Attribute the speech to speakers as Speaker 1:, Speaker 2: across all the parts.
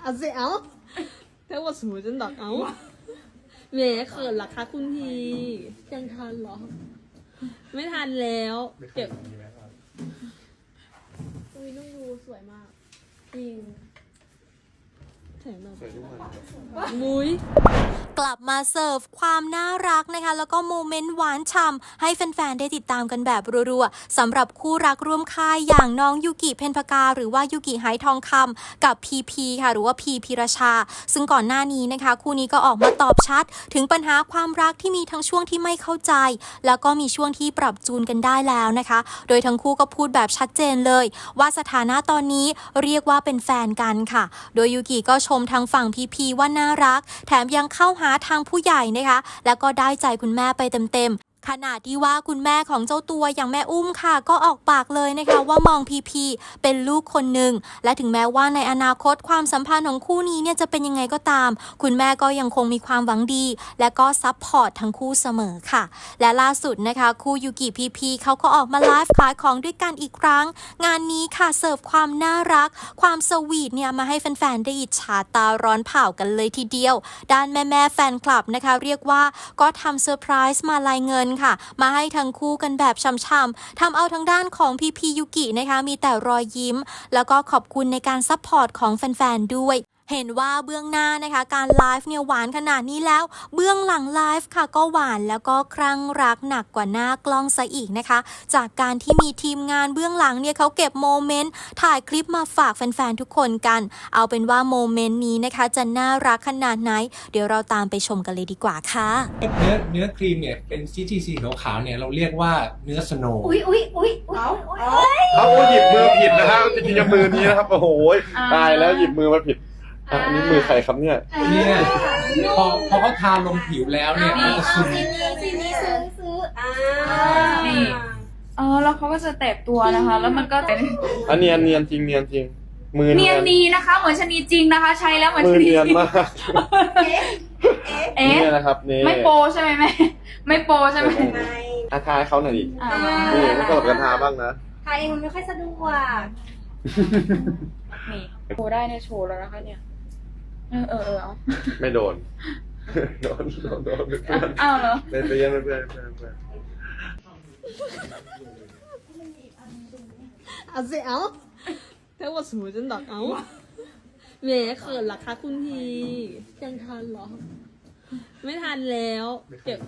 Speaker 1: 啊这样睇我สูจนดักเอาแหมเขินเหรอคะคุณพียังทันเหรอไม่ทันแล้วเก็บอุ้ยน้องยูสวยมากจริงแถมแบบมุ้ย
Speaker 2: กลับมาเสิร์ฟความน่ารักนะคะแล้วก็โมเมนต์หวานฉ่ำให้แฟนๆได้ติดตามกันแบบรัวๆสำหรับคู่รักร่วมค่ายอย่างน้องยูกิเพ็ญพกาหรือว่ายูกิไหทองคำกับพีพีค่ะหรือว่าพีพีรชาซึ่งก่อนหน้านี้นะคะคู่นี้ก็ออกมาตอบชัดถึงปัญหาความรักที่มีทั้งช่วงที่ไม่เข้าใจแล้วก็มีช่วงที่ปรับจูนกันได้แล้วนะคะโดยทั้งคู่ก็พูดแบบชัดเจนเลยว่าสถานะตอนนี้เรียกว่าเป็นแฟนกันค่ะโดยยูกิก็ชมทางฝั่งพีพีว่าน่ารักแถมยังเข้าหาทางผู้ใหญ่นะคะแล้วก็ได้ใจคุณแม่ไปเต็มๆขณะที่ว่าคุณแม่ของเจ้าตัวอย่างแม่อุ้มค่ะก็ออกปากเลยนะคะว่ามองพีพีเป็นลูกคนหนึ่งและถึงแม้ว่าในอนาคตความสัมพันธ์ของคู่นี้เนี่ยจะเป็นยังไงก็ตามคุณแม่ก็ยังคงมีความหวังดีและก็ซัพพอร์ตทั้งคู่เสมอค่ะและล่าสุดนะคะคู่ยูกิพีพีเขาก็ออกมาไลฟ์ขายของด้วยกันอีกครั้งงานนี้ค่ะเสิร์ฟความน่ารักความสวีทเนี่ยมาให้แฟนๆได้อิจฉาตาร้อนเผากันเลยทีเดียวด้านแม่แฟนคลับนะคะเรียกว่าก็ทำเซอร์ไพรส์มาลายเงินค่ะมาให้ทั้งคู่กันแบบช่ำๆทำเอาทางด้านของพีพียูกินะคะมีแต่รอยยิ้มแล้วก็ขอบคุณในการซัพพอร์ตของแฟนๆด้วยเห็นว่าเบื้องหน้านะคะการไลฟ์เนี่ยหวานขนาดนี้แล้วเบื้องหลังไลฟ์ค่ะก็หวานแล้วก็คลั่งรักหนักกว่าหน้ากล้องซะอีกนะคะจากการที่มีทีมงานเบื้องหลังเนี่ยเขาเก็บโมเมนต์ถ่ายคลิปมาฝากแฟนๆทุกคนกันเอาเป็นว่าโมเมนต์นี้นะคะจะน่ารักขนาดไหนเดี๋ยวเราตามไปชมกันเลยดีกว่าค่ะ
Speaker 3: เนื้อครีมเนี่ยเป็นสีขาวๆเนี่ยเราเรียกว่าเนื้อสโนว์
Speaker 4: เขาหยิบมือผิดนะครับจริงๆมือนี้นะครับโอ้โหตายแล้วหยิบมือมาผิดอันนี้มือใครครับเนี่ย
Speaker 3: เนี่ยพอเขาทาลงผิวแล้วเนี่ยมันจะซึม
Speaker 5: ซีนี้ซื้อ
Speaker 6: นี่แล้วเขาก็จะแตกตัวนะคะ แล้วมันก็เป็น
Speaker 4: อันเนียนจริงเนียนจริงมือ
Speaker 6: เนียนดีนะคะ เหมือนชะนีจริงนะคะ ใช้แล้วเหมือน
Speaker 4: มือ
Speaker 6: ชะนี
Speaker 4: เนียน
Speaker 6: จริง
Speaker 4: มาก นี่นะครับนี่
Speaker 6: ไม่โปใช่ไหมแม่ไม่โปใช่ไหม
Speaker 4: อาทายเขาหน่อยดิ
Speaker 6: อ่า
Speaker 4: นี่ไม่กดกันทาบ้างนะ
Speaker 5: ไทยมันไม่ค่อยสะดวก
Speaker 6: นี่โชว์ได้เนี่ยโชว์แล้วนะคะเนี่ยเอา
Speaker 4: ไม่โดนโดนเพื่อน
Speaker 6: อ้าวเหรอ
Speaker 4: เพื่อนเพื่อน
Speaker 1: 啊这样睇我สูจนดักเอาแหมเขินเหรอคะคุณพียังทันเหรอไม่ทันแล้วเก็บ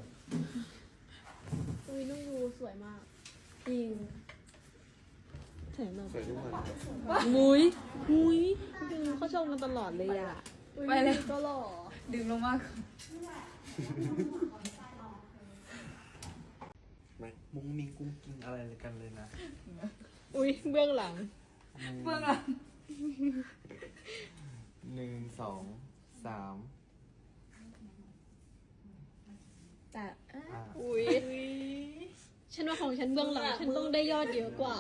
Speaker 1: อุ้ยน้องยูสวยมากจริงแถมแบบมุ้ยเขาชมกันตลอดเลยอ่ะ
Speaker 6: ไปเลย
Speaker 1: ก็หล่อ
Speaker 6: ดึงลงมาก
Speaker 7: ไม่มุ้งมิ้งกุ้งกิ้งอะไรกันเลยนะ
Speaker 1: อุ้ยเบื้องหลัง
Speaker 6: เบื้องหลัง
Speaker 7: 1 2 3
Speaker 1: แต่อุ้ยฉันว่าของฉันเบื้องหลังฉันต้องได้ยอดเยอะกว่า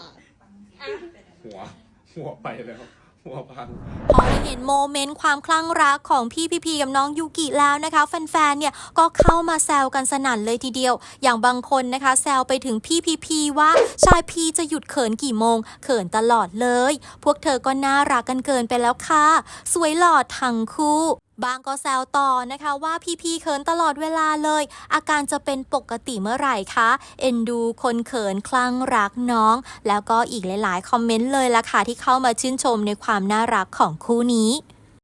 Speaker 4: หัวไปแล้วหัวพัง
Speaker 2: พอได้เห็นโมเมนต์ความคลั่งรักของพี่พีพีกับน้องยูกิแล้วนะคะแฟนๆเนี่ยก็เข้ามาแซวกันสนั่นเลยทีเดียวอย่างบางคนนะคะแซวไปถึงพี่พีพีว่าชายพีจะหยุดเขินกี่โมงเขินตลอดเลยพวกเธอก็น่ารักกันเกินไปแล้วค่ะสวยหล่อทั้งคู่บางก็แซวต่อนะคะว่าพี่เขินตลอดเวลาเลยอาการจะเป็นปกติเมื่อไหร่คะเอ็นดูคนเขินคลั่งรักน้องแล้วก็อีกหลายๆคอมเมนต์เลยล่ะค่ะที่เข้ามาชื่นชมในความน่ารักของคู่นี้